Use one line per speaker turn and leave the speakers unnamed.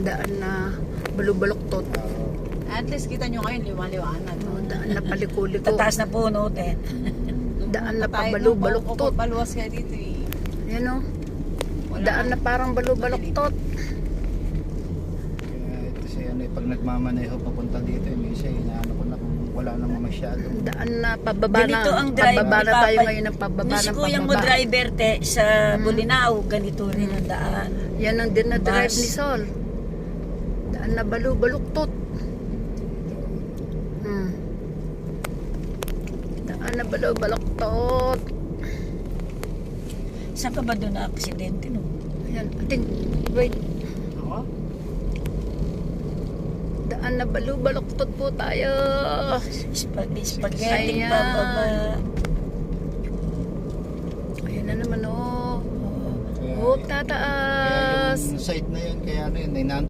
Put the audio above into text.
Daan na balubaluktot.
At least kita nyo ngayon, liwanag.
Daan na paliko-liko.
Tataas na puno, ten.
Daan na pabalubaluktot.
Paluwas kaya dito eh.
Yan o. Daan na parang balubaluktot.
Ito siya, pag nagmamaneho papunta dito, minsan inaano ko na kung wala namang masyado.
Daan na pababa na.
Ganito ang drive.
Pababa na tayo ngayon ng pababa
Si
ng
kuya mo
pababa.
driver te sa Bulinaw, ganito rin ang daan.
Yan ang din na drive
Bus.
ni Sol. Daan na balubaluktot. Daan na balubaluktot.
Saan ka ba doon na aksidente no?
Ayan, ating, wait.
Oo.
Daan na balubaluktot po tayo.
Spaghetti
Ayan.
pa baba.
Ayan na naman oh.
Kaya,
Oh, tataas.
Kaya yung site na yun, kaya ano yun,